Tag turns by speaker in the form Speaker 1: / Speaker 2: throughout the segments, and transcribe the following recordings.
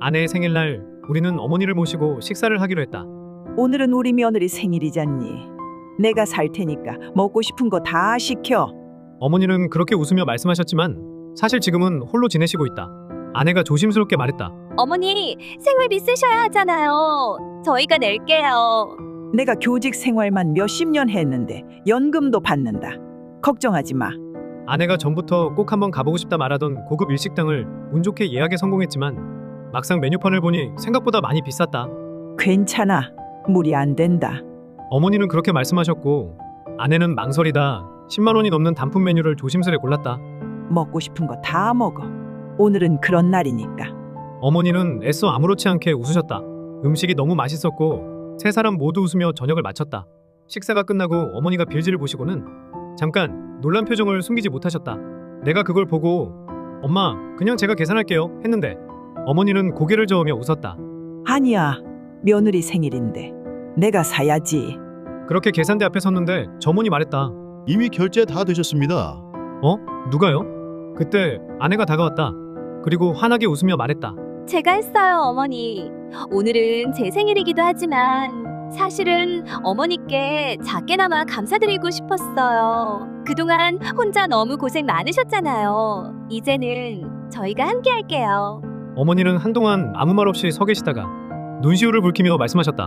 Speaker 1: 아내의 생일날 우리는 어머니를 모시고 식사를 하기로 했다.
Speaker 2: 오늘은 우리 며느리 생일이잖니. 내가 살 테니까 먹고 싶은 거 다 시켜.
Speaker 1: 어머니는 그렇게 웃으며 말씀하셨지만 사실 지금은 홀로 지내시고 있다. 아내가 조심스럽게 말했다.
Speaker 3: 어머니, 생활비 쓰셔야 하잖아요. 저희가 낼게요.
Speaker 2: 내가 교직 생활만 몇십 년 했는데 연금도 받는다. 걱정하지 마.
Speaker 1: 아내가 전부터 꼭 한번 가보고 싶다 말하던 고급 일식당을 운 좋게 예약에 성공했지만 막상 메뉴판을 보니 생각보다 많이 비쌌다.
Speaker 2: 괜찮아. 무리 안 된다.
Speaker 1: 어머니는 그렇게 말씀하셨고 아내는 망설이다 10만 원이 넘는 단품 메뉴를 조심스레 골랐다.
Speaker 2: 먹고 싶은 거 다 먹어. 오늘은 그런 날이니까.
Speaker 1: 어머니는 애써 아무렇지 않게 웃으셨다. 음식이 너무 맛있었고 세 사람 모두 웃으며 저녁을 마쳤다. 식사가 끝나고 어머니가 빌지를 보시고는 잠깐 놀란 표정을 숨기지 못하셨다. 내가 그걸 보고 엄마 그냥 제가 계산할게요 했는데 어머니는 고개를 저으며 웃었다.
Speaker 2: 아니야. 며느리 생일인데 내가 사야지.
Speaker 1: 그렇게 계산대 앞에 섰는데 점원이 말했다.
Speaker 4: 이미 결제 다 되셨습니다.
Speaker 1: 어? 누가요? 그때 아내가 다가왔다. 그리고 환하게 웃으며 말했다.
Speaker 3: 제가 했어요, 어머니. 오늘은 제 생일이기도 하지만 사실은 어머니께 작게나마 감사드리고 싶었어요. 그동안 혼자 너무 고생 많으셨잖아요. 이제는 저희가 함께 할게요.
Speaker 1: 어머니는 한동안 아무 말 없이 서 계시다가 눈시울을 붉히며 말씀하셨다.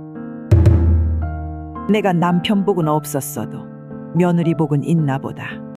Speaker 2: 내가 남편 복은 없었어도 며느리 복은 있나 보다.